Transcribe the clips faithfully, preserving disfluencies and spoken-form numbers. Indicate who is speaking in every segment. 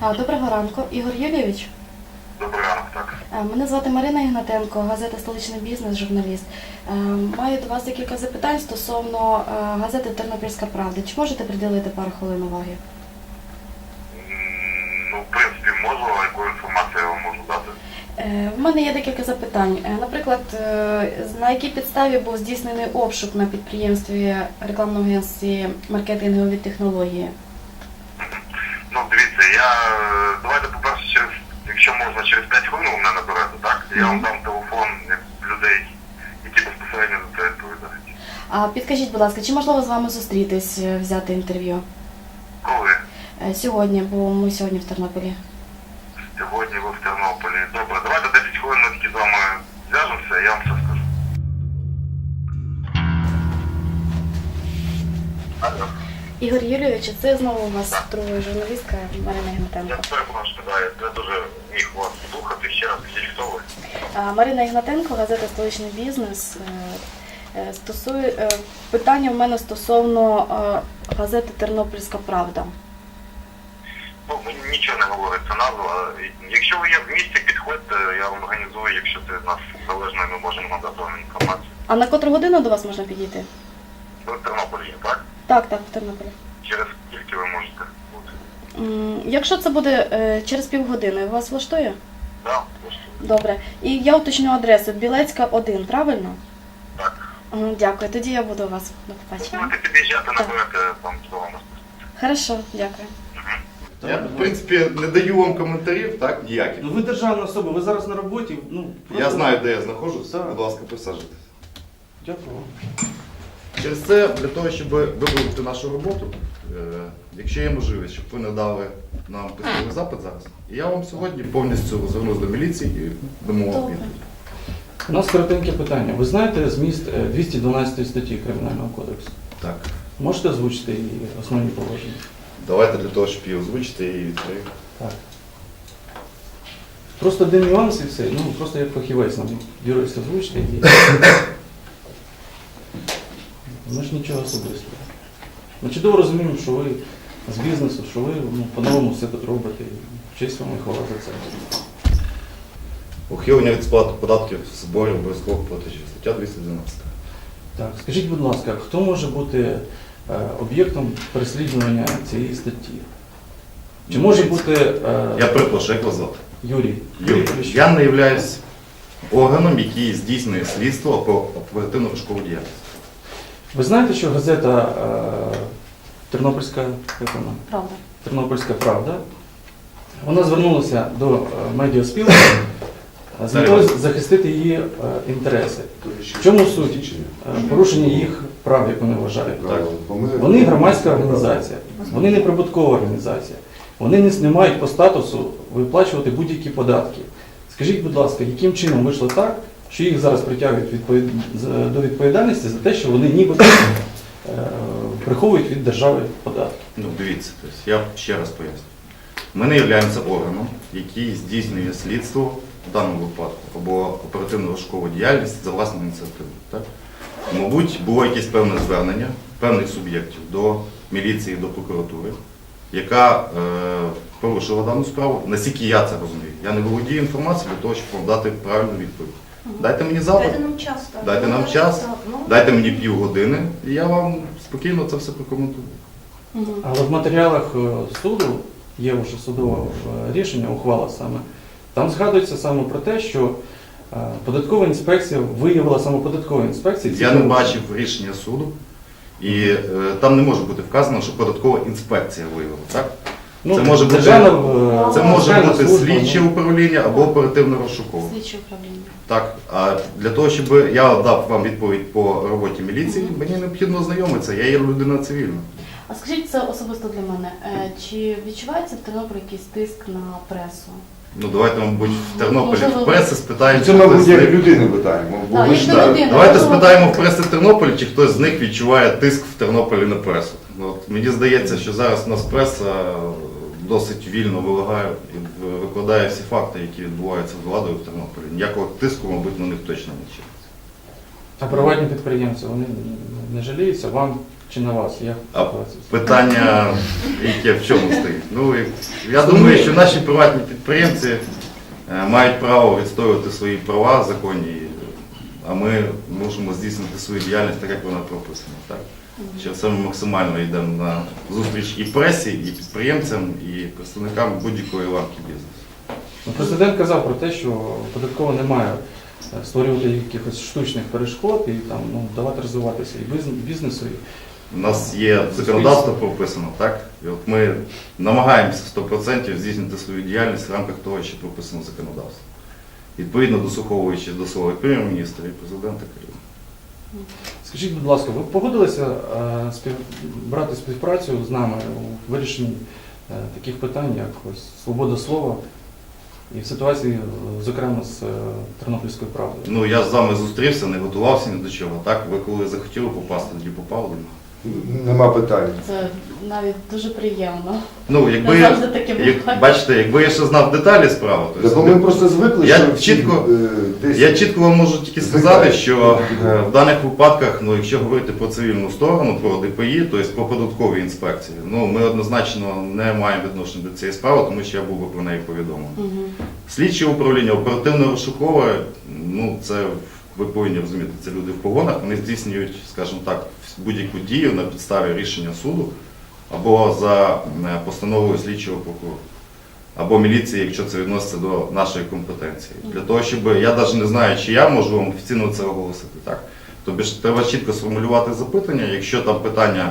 Speaker 1: А, Доброго ранку. Ігор Юлійович?
Speaker 2: Добрий ранок, так.
Speaker 1: А, Мене звати Марина Ігнатенко, газета «Столичний бізнес», журналіст. А, Маю до вас декілька запитань стосовно а, газети «Тернопільська правда». Чи можете приділити пару хвилин уваги?
Speaker 2: М, Ну, в принципі, можу, а яку інформацію я вам можу дати?
Speaker 1: Е, В мене є декілька запитань. Е, Наприклад, е, на якій підставі був здійснений обшук на підприємстві рекламного агентстві «Маркетингові технології»?
Speaker 2: Ну, дивіться, я... е, давайте, по-перше, через... якщо можна, через п'ять хвилин ви мене наберете, так? Я вам дам телефон людей, які безпосередньо за це відповідають.
Speaker 1: А підкажіть, будь ласка, чи можливо з вами зустрітись, е, взяти інтерв'ю?
Speaker 2: Коли?
Speaker 1: Е, Сьогодні, бо ми сьогодні в Тернополі.
Speaker 2: Сьогодні ви в Тернополі. Добре, давайте десять хвилин ми таки з вами зв'яжемося, я вам все скажу. Алло.
Speaker 1: Ігор Юлійович, це знову у вас друга журналістка Марина
Speaker 2: Я
Speaker 1: Ігнатенко.
Speaker 2: перепрошую, да, я дуже міг вас слухати. Ще раз, скажіть, хто ви?
Speaker 1: А, Марина Ігнатенко, газета «Столичний бізнес». Е, е, Стосує е, питання в мене стосовно е, газети «Тернопільська правда».
Speaker 2: Ну, мені нічого не говорить ця назва. Якщо ви є в місті, підходьте, я вам організую, якщо це від нас залежно, ми можемо надати вам інформацію.
Speaker 1: А на котру годину до вас можна підійти?
Speaker 2: Ви в Тернополі є, так?
Speaker 1: Так, так, в Тернополі.
Speaker 2: Через скільки ви можете бути?
Speaker 1: М, Якщо це буде е, через півгодини, вас влаштує?
Speaker 2: Так, влаштує.
Speaker 1: Добре. І я уточню адресу. Білецька, один, правильно?
Speaker 2: Так.
Speaker 1: М, Дякую. Тоді я буду у вас. До побачення.
Speaker 2: Будете під'їжджати, наберете там до вас.
Speaker 1: Хорошо, дякую.
Speaker 3: Я, в принципі, не даю вам коментарів, так, ніяких.
Speaker 4: Ну ви державна особа, ви зараз на роботі. Ну,
Speaker 3: Я
Speaker 4: просто-
Speaker 3: знаю, де я знаходжусь.
Speaker 4: Так.
Speaker 3: Будь ласка, присаджуйтесь.
Speaker 4: Дякую вам.
Speaker 3: Через це, для того, щоб виправити нашу роботу, е, якщо є можливість, щоб ви надали нам письмовий запит зараз, і я вам сьогодні повністю звернусь до міліції і дамо вам
Speaker 1: Добре.
Speaker 3: відповідь.
Speaker 4: У нас коротеньке питання. Ви знаєте зміст е, двісті дванадцятої статті Кримінального кодексу?
Speaker 3: Так.
Speaker 4: Можете озвучити її основні положення?
Speaker 3: Давайте для того, щоб її озвучити і відповів.
Speaker 4: Так. Просто один нюанс і все. Ну, просто як фахівець нам юрист озвучити її. Ми ж нічого особистого. Ми чудово розуміємо, що ви з бізнесу, що ви ну, по-новому все тут робите. І честь вам і хвала за це.
Speaker 3: Ухилення від сплати податків, зборів, обов'язкових платежів. Стаття двісті дванадцять.
Speaker 4: Так, скажіть, будь ласка, хто може бути е, об'єктом переслідування цієї статті? Чи може бути е,
Speaker 3: Я перепрошую, як вас звати?
Speaker 4: Юрій?
Speaker 3: Юрій,
Speaker 4: Поліщук.
Speaker 3: я не являюсь органом, який здійснює слідство про оперативну розшукову діяльність.
Speaker 4: Ви знаєте, що газета е, Тернопільська, як вона?
Speaker 1: Правда.
Speaker 4: Тернопільська правда, вона звернулася до е, медіаспілки з метою захистити її е, інтереси. В чому суть? Е, Порушення їх прав, як вони вважають.
Speaker 3: Так.
Speaker 4: Вони громадська організація, вони не прибуткова організація, вони не, не мають по статусу виплачувати будь-які податки. Скажіть, будь ласка, яким чином вийшло так, що їх зараз притягують відповід... з- до відповідальності за те, що вони ніби е, приховують від держави податки?
Speaker 3: Ну, дивіться, тобто, я ще раз поясню. Ми не являємося органом, який здійснює слідство в даному випадку або оперативну розшукову діяльність за власною ініціативою. Так? Мабуть, було якесь певне звернення певних суб'єктів до міліції, до прокуратури, яка е, порушила дану справу. Наскільки я це розумію. Я не володію інформацією для того, щоб вам дати правильну відповідь. Дайте мені запит,
Speaker 5: Дайте нам час. так.
Speaker 3: дайте нам
Speaker 5: Ну,
Speaker 3: час,
Speaker 5: так, ну.
Speaker 3: дайте мені півгодини, і я вам спокійно це все прокоментую.
Speaker 1: Мгм.
Speaker 4: Але в матеріалах е, суду, є вже судове е, рішення, ухвала саме, там згадується саме про те, що е, податкова інспекція виявила саме податкова інспекція. ці
Speaker 3: Я не
Speaker 4: порушення.
Speaker 3: бачив рішення суду, і е, там не може бути вказано, що податкова інспекція виявила. Так?
Speaker 4: Ну,
Speaker 3: це може бути,
Speaker 4: державна, е,
Speaker 3: це може
Speaker 4: державна
Speaker 3: бути
Speaker 4: служба,
Speaker 3: слідче
Speaker 4: ну.
Speaker 3: управління або оперативно розшукове.
Speaker 1: Слідче управління.
Speaker 3: Так, а для того, щоб я дав вам відповідь по роботі міліції, мені необхідно ознайомитися, я є людина цивільна.
Speaker 1: А скажіть це особисто для мене. Е, Чи відчувається в Тернополі якийсь тиск на пресу?
Speaker 3: Ну давайте, мабуть, в Тернополі
Speaker 1: Можливо,
Speaker 3: в преси спитаємо.
Speaker 6: Це,
Speaker 3: чи
Speaker 6: мабуть,
Speaker 3: хтось з
Speaker 6: як
Speaker 3: них-
Speaker 6: людини питаємо. бо
Speaker 1: Так,
Speaker 6: ви
Speaker 1: як
Speaker 6: ж
Speaker 1: до
Speaker 6: так.
Speaker 1: людини.
Speaker 3: Давайте
Speaker 1: Можливо,
Speaker 3: спитаємо в преси Тернополі, чи хтось з них відчуває тиск в Тернополі на пресу. Ну, от, мені здається, що зараз у нас преса досить вільно вилагає і викладає всі факти, які відбуваються з владою в Тернополі. Ніякого тиску, мабуть, на них точно не чиниться.
Speaker 4: А приватні підприємці, вони не жаліються вам чи на вас? Як
Speaker 3: А
Speaker 4: ситуація?
Speaker 3: питання, яке в чому стоїть? Ну, і я думаю, що наші приватні підприємці е, мають право відстоювати свої права законні, а ми можемо здійснити свою діяльність так, як вона прописана. Так? Що це ми максимально йдемо на зустріч і пресі, і підприємцям, і представникам будь-якої ланки бізнесу.
Speaker 4: Ну, Президент казав про те, що податково не має е, створювати якихось штучних перешкод і там, ну, давати розвиватися і биз- бізнесу. і-
Speaker 3: У нас є законодавство прописано, так? І от ми намагаємося сто відсотків здійснити свою діяльність в рамках того, що прописано в законодавстві. Відповідно дослуховуючи до слова і прем'єр-міністра і президента країни.
Speaker 4: Скажіть, будь ласка, ви погодилися е, спів... брати співпрацю з нами у вирішенні е, таких питань, як ось свобода слова і в ситуації, е, зокрема, з е, Тернопільською правдою?
Speaker 3: Ну, я з вами зустрівся, не готувався ні до чого, так? Ви коли захотіли попасти, тоді попали.
Speaker 5: Нема питань.
Speaker 1: Це навіть дуже приємно.
Speaker 3: Ну, якби,
Speaker 1: Не завжди таке буває.
Speaker 3: як, бачите, якби я ще знав деталі справи, то
Speaker 5: Так ми просто звикли,
Speaker 3: Я
Speaker 5: що всі,
Speaker 3: чітко-
Speaker 5: е, десь...
Speaker 3: я чітко вам можу тільки сказати, що е, в даних випадках, ну, якщо говорити про цивільну сторону, про ді пе і, тобто про податкові інспекції, ну, ми однозначно не маємо відношення до цієї справи, тому що я був би про неї повідомлений.
Speaker 1: Мгм.
Speaker 3: Слідче управління, оперативно-розшукове, ну це ви повинні розуміти, це люди в погонах, вони здійснюють, скажімо так, будь-яку дію на підставі рішення суду або за е, постановою слідчого прокурора, або міліції, якщо це відноситься до нашої компетенції. Для того, щоб я навіть не знаю, чи я можу вам офіційно це оголосити, так? Тобто ж треба чітко сформулювати запитання, якщо там питання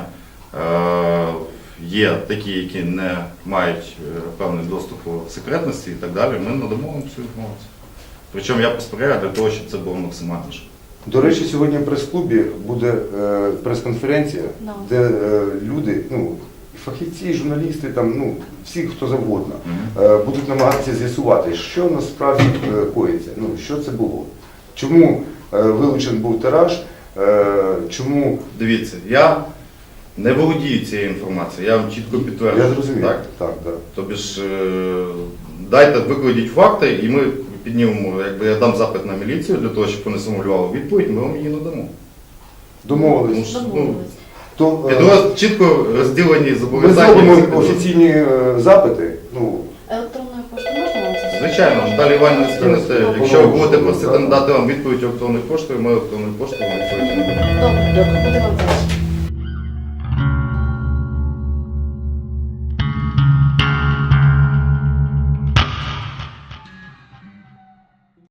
Speaker 3: е, є такі, які не мають е, певний доступ до секретності і так далі, ми надамо вам цю інформацію. Причому я посприяю для того, щоб це було максимально швидко.
Speaker 5: До речі, сьогодні в прес-клубі буде е, прес-конференція,
Speaker 1: Да.
Speaker 5: де е, люди, ну, фахівці, журналісти, там, ну, всі, хто завгодно,
Speaker 3: Мгм.
Speaker 5: е, будуть намагатися з'ясувати, що насправді е, коїться, ну, що це було. Чому е, вилучений був тираж, е, чому...
Speaker 3: Дивіться, я не володію цією інформацією, я вам чітко підтверджую.
Speaker 5: Я зрозумів.
Speaker 3: Так?
Speaker 5: Так, так.
Speaker 3: Тобі ж е, дайте, викладіть факти, і ми піднімемо, якби я дам запит на міліцію для того, щоб вони сформулювали відповідь, ми вам її надамо.
Speaker 5: Домовились.
Speaker 3: Ну,
Speaker 1: Домовились.
Speaker 5: То,
Speaker 3: Я
Speaker 5: е,
Speaker 3: думаю, чітко розділені
Speaker 5: ми
Speaker 3: зобов'язання.
Speaker 5: зробимо офіційні е, запити. Ну,
Speaker 1: Електронною поштою можна вам це?
Speaker 3: Звичайно, Наталі Іванівна скинете.
Speaker 5: Ну,
Speaker 3: Якщо ви будете
Speaker 5: ну,
Speaker 3: просити
Speaker 5: так.
Speaker 3: надати вам відповідь електронною поштою, ми електронною поштою вам відповідь надамо.
Speaker 1: Добре, буде вам вдячна.